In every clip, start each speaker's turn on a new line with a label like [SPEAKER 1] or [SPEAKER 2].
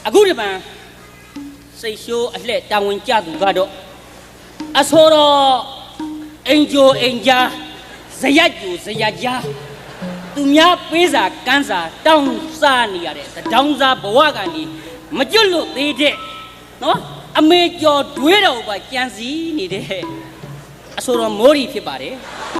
[SPEAKER 1] အခုဒီမှာစိတ်ရှိုးအလှက်တာဝန်ကျသူကတော့အစောတော်အင်ဂျိုအင်ဂျာဇယက်ကျူဇယက်ကြားသူများပေးစာကန်းစာတောင်းစားနေရတဲ့တောင်းစားဘဝကနေမကျွတ်လို့သေးတဲ့နော်အမေကျော်တွေးတော်ပါကြံစည်နေတဲ့အစောတော်မိုးရီဖြစ်ပါတယ်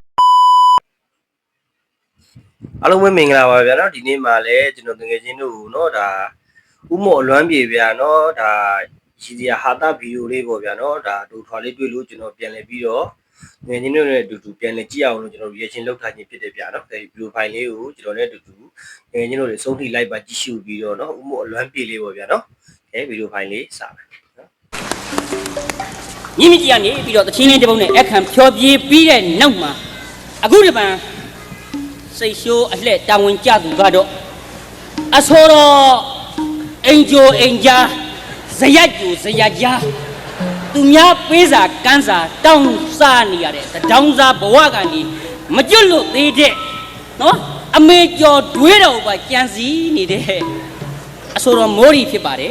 [SPEAKER 2] အားလုံးပဲမင်္ဂလာပါဗျာเนาะဒီနေ့မှာလည်းကျွန်တော်ငယ်ချင်းတို့เนาะဒါဥမော်အလွမ်းပြေဗျာเนาะဒါရည်စရာဟာတာဗီဒီယိုလေးပေါ့ဗျာเนาะဒါဒူထွာလေးတွေ့လို့ကျွန်တော်ပြန်လည်ပြီးတော့ငယ်ချင်းတို့နဲ့အတူတူပြန်လည်ကြည့်အောင်လို့ကျွန်တော် reaction လုပ်ထားခြင်းဖြစ်တယ်ဗျာเนาะဒီဗီဒီယိုဖိုင်လေးကိုကျွန်တော်လည်းအတူတူငယ်ချင်းတို့တွေစုံထိလိုက်ပါကြည့်ရှုပြီးတော့เนาะဥမော်အလွမ်းပြေလေးပေါ့ဗျာเนาะဗီဒီယိုဖိုင်လေးစပါเนาะ
[SPEAKER 1] ညီမကြီးကနေပြီးတော့တချင်းလေးတစ်ပုဒ်နဲ့အခမ်းဖြောပြေးပြီးတဲ့နောက်မှာအခုဒီမှာစိတ်ရှိုးအလှက်တာဝန်ကျသူကတော့အစောတော်အင်ဂျိုအင်ဂျာဇယက်ကျူဇယက်ကြားသူများပေးစာကန်းစာတောင်းစားနေရတဲ့တောင်းစားဘဝကနေမကျွတ်လို့သေးတဲ့နော်အမေကျော်တွေးတော်ပါကြံစည်နေတဲ့အစောတော်မိုးရီဖြစ်ပါတယ်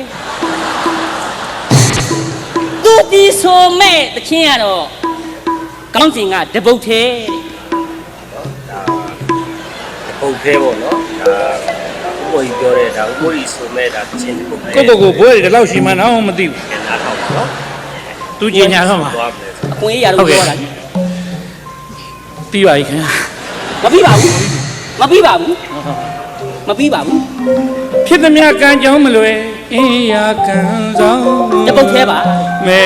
[SPEAKER 1] သူဒီဆိုမဲ့တချင်းကတော့ကောင်းစဉ်ကတပုတ်သေး
[SPEAKER 2] ဟုတ်ကဲ့ပေါ့နော်ဒါဥပ္ပိုလ်ပြောတဲ့ဒါဥပ္ပိုလ်ဆိုမဲ့ဒါချင်းပုတ်
[SPEAKER 3] ကိုကိုဘွဲဒီလောက်ရှိမှန်းတော့မသိဘူး
[SPEAKER 2] နားထောင်နော်
[SPEAKER 3] သူညညာတော့မှာ
[SPEAKER 1] အခွင့်အရေးရတော့ပြောတာ
[SPEAKER 3] ပြီးပါပြီခင်ဗျာ
[SPEAKER 1] မပြီးပါဘူးမပြီးပါဘူးမပြီးပါဘူး
[SPEAKER 3] ဖြစ်သမျှကံကြောင်းမလွယ်အင်းရာကံဆောင်
[SPEAKER 1] တပုတ်သေးပါ
[SPEAKER 3] မဲ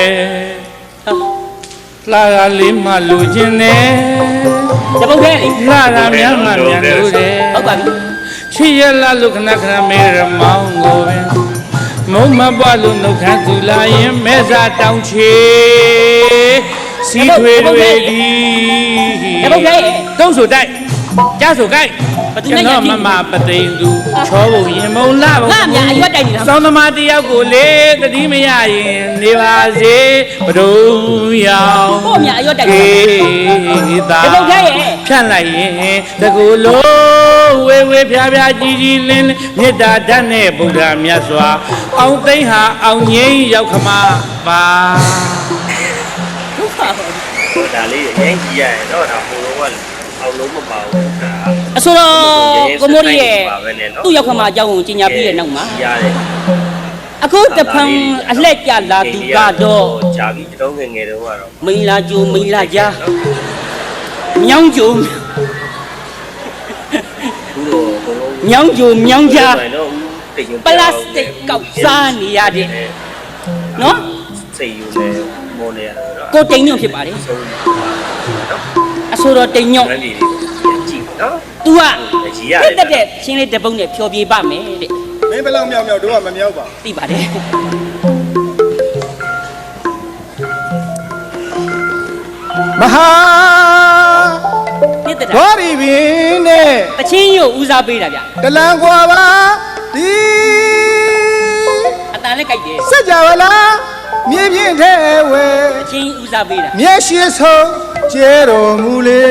[SPEAKER 3] လာရလေးမှလူချင်းနဲ့
[SPEAKER 1] တပုတ်သေးလေ
[SPEAKER 3] လာရများမှမြန်လို့တယ်
[SPEAKER 1] ဟုတ်ပါပြီ
[SPEAKER 3] ချစ်ရလာလို့ခဏခဏမဲရမောင်းကိုပင်မုံမပွားလို့နှုတ်ခမ်းသူလာရင်မဲစာတောင်းချေစီထွေတွေဒီ
[SPEAKER 1] တပုတ်သေး
[SPEAKER 3] တုံးဆိုတိုက်ကြားဆိုကိုက်ကျွန်တော်မမပသိမ်သူချောဖို့ရင်မုံလာဖို့
[SPEAKER 1] ငါအမြအရွက်တိုက်နေတာ
[SPEAKER 3] စောင်းသမားတယောက်ကိုလေတတိမရရင်နေပါစေဘဒုံရောင်
[SPEAKER 1] ကိုအမြအရွက်တိုက်နေတာတပုတ်သေး
[SPEAKER 3] ဖြန့်လိုက်ရင်တကူလုံးဝေဝေဖျားဖျားကြီးကြီးလင်းမေတ္တာဓာတ်နဲ့ဗုဒ္ဓမြတ်စွာအောင်သိမ့်ဟာအောင်ငိမ့်ရောက်ခမပါ
[SPEAKER 2] ဒါလေးအရင်ကြီးရတယ်เนาะဒါဟိုတော့ကအောင်လုံးမပါဘူးဒါ
[SPEAKER 1] အဆိုတော့ကိုမိုးရီရဲ့သူ့ရောက်ခမအကြောင်းကိုကြီးညာပြီးတဲ့နောက်မှာ
[SPEAKER 2] ရတယ်
[SPEAKER 1] အခုတဖန်အလှက်ကြလာသူကတော့
[SPEAKER 2] ဂျာကြီးတုံးငယ်ငယ်တုန်းကတော့
[SPEAKER 1] မိန်လာကျိုမိန်လာကြားမြောင်းကျိုမြောင်းကျိုမြောင်းကြားပလတ်စတစ်ကောက်စားနေရတဲ့နော်
[SPEAKER 2] စိတ်ယူနေမော်နေရတော့
[SPEAKER 1] ကိုတိန်ညွန့်ဖြစ်ပါတယ်အဆိုတော့တိန်ညွန့်
[SPEAKER 2] ကြည့်နော်
[SPEAKER 1] तू ကတက်တဲ့ချင်းလေးတပုတ်နဲ့ဖြောပြေးပါမယ်တဲ့
[SPEAKER 4] မင်းဘယ်လောက်မြောက်တို့ကမမြောက်ပါ
[SPEAKER 1] သိပါတယ်
[SPEAKER 3] မဟာ
[SPEAKER 1] နှစ်တက်တာ
[SPEAKER 3] ဘောရီပင်နဲ့
[SPEAKER 1] တချင်းရုပ်ဦးစားပေးတာဗျ
[SPEAKER 3] တလန်ကွာပါဒီ
[SPEAKER 1] အတန်လည်းကြိုက်တယ်
[SPEAKER 3] စัจ java လားမြေပြင်းထဲဝဲ
[SPEAKER 1] တချင်းဦးစားပေးတာ
[SPEAKER 3] မျက်ရှိဆုံးကျဲတော်မူလေ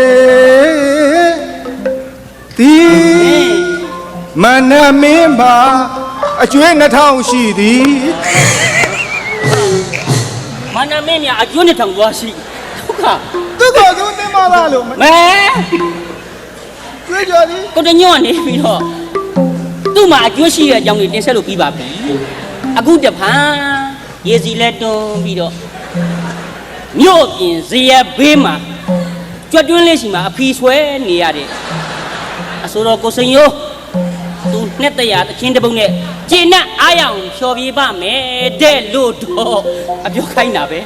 [SPEAKER 3] ဒီမနမင်းပါအကျွေး2000ရှိသည်
[SPEAKER 1] မနမင်းညာအကျွေး2000သွားရှိ
[SPEAKER 3] ဒုက္ခသူ့သင်္မာလာလို့
[SPEAKER 1] မဲ
[SPEAKER 3] ကျွေးကြသည်
[SPEAKER 1] ကိုတညွန့်နေပြီးတော့သူ့မှာအကျွေးရှိတဲ့အကြောင်းကြီးတင်ဆက်လို့ပြီးပါပြီအခုတဖန်ရေစီလက်တွန်းပြီးတော့မြို့ပြင်ဇေယျဘေးမှာကြွတွင်းလေးရှိမှာအဖီဆွဲနေရတဲ့အဆိုတော်ကိုစိန်ရိုးသူနှစ်တရာတချင်းတပုတ်နဲ့ကျင့်နဲ့အားရအောင်ဖြော်ပြပါမယ်တဲ့လို့တော့အပြောခိုင်းတာပဲ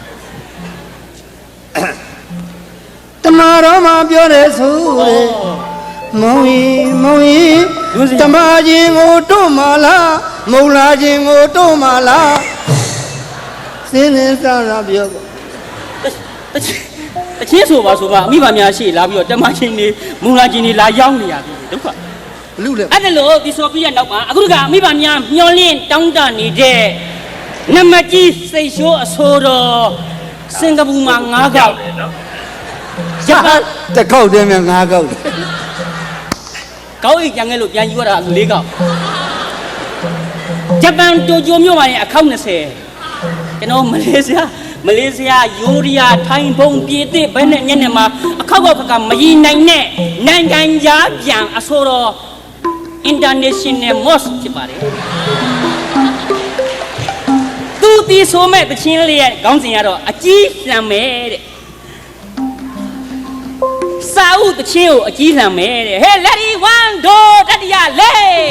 [SPEAKER 3] တမတော်မှာပြောတယ်ဆိုတဲ့မောင်ရင်တမချင်းကိုတို့မလားမုံလာချင်းကိုတို့မလားစင်းစင်းစားစားပြော
[SPEAKER 1] တချင်းဆိုပါအမိဘများရှိလာပြီးတော့တမချင်းနေမုံလာချင်းနေလာရောက်နေရပြီဒုက္ခ
[SPEAKER 3] ဘလူလေ
[SPEAKER 1] အဲ့ဒါလို့ဒီဆိုပြီးရနောက်မှာအခုကအမိဘများမျောလင်းတောင်းတနေတဲ့နမကြီးစိတ်ရှိုးအဆိုတော်စင်ကာပူမှာ9ခေါက်
[SPEAKER 3] ရတခေါက်တည်းများ9ခေါက်
[SPEAKER 1] ကောက်အိတ်ကြံခဲ့လို့ပြန်ယူရတာ4ခေါက်ဂျပန်တိုကျိုမြို့မှာအခေါက်20ကျွန်တော်မလေးရှားယိုရီးယားထိုင်းဘုံပြည်သစ်ဘယ်နဲ့ညနေမှာအခေါက်ကမရည်နိုင်တဲ့နိုင်ငံခြားပြန်အဆိုတော် international mosque ဖြစ်ပါတယ်သူတီဆိုမဲ့တချင်းလေးရဲ့ခေါင်းစဉ်ကတော့အကြီးလှမ်းမယ်တဲ့စာအုပ်တချင်းကိုအကြီးလှမ်းမယ်တဲ့ Hey lady one do တတိယလေး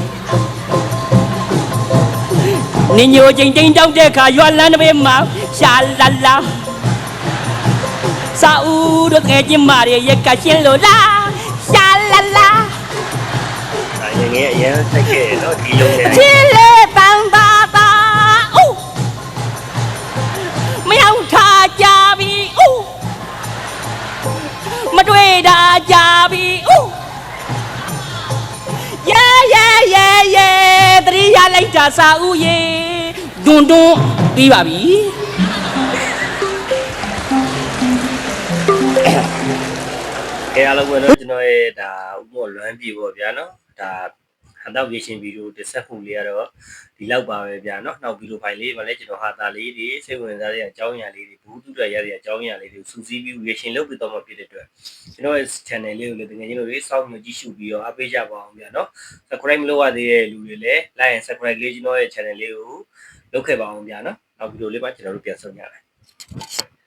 [SPEAKER 1] နင်ညိုချင်းတိန်တောက်တဲ့ခါရွာလန်းတစ်ပေမှာရှာလာလာစာအုပ်တို့ငယ်ချင်းမတွေရက်ကရှင်းလို့လားရှာလာလာ
[SPEAKER 2] ငယ်အရင်တက်ခဲ့နော်ဒီလိုနဲ့
[SPEAKER 1] ချီလေတန်တာတာအိုးမရောက်ထားကြပြီအိုးမတွေ့တာကြပြီအိုးရဲတတိယလိုက်တာစာဦးရေဒွန်းပြီးပါပြီ
[SPEAKER 2] အားလုံးပဲเนาะကျွန်တော်ရဲ့ဒါဥပ္ပလွမ်းပြေပေါ့ဗျာเนาะဒါဟန်တောက်ရေရှင်ဗီဒီယိုတစ်ဆက်မှုလေးကတော့ဒီလောက်ပါပဲဗျာเนาะနောက်ဗီဒီယိုဖိုင်လေးမှာလည်းကျွန်တော်ဟာတာလေးတွေစိတ်ဝင်စားတဲ့အကြောင်းအရာလေးတွေဘူးတူရရတဲ့အကြောင်းအရာလေးတွေကိုစူးစီးပြီးရေရှင်လုပ်ပြီးတော့မှဖြစ်တဲ့အတွက်ကျွန်တော်ရဲ့ channel လေးကိုလည်းတကယ်ချင်းတို့တွေစောင့်မျှော်ကြည့်ရှုပြီးတော့အားပေးကြပါအောင်ဗျာเนาะ subscribe မလုပ်ရသေးတဲ့လူတွေလည်း like and subscribe လေးကျွန်တော်ရဲ့ channel လေးကိုလုပ်ခဲ့ပါအောင်ဗျာเนาะနောက်ဗီဒီယိုလေးမှာကျွန်တော်တို့ပြန်ဆုံကြမယ်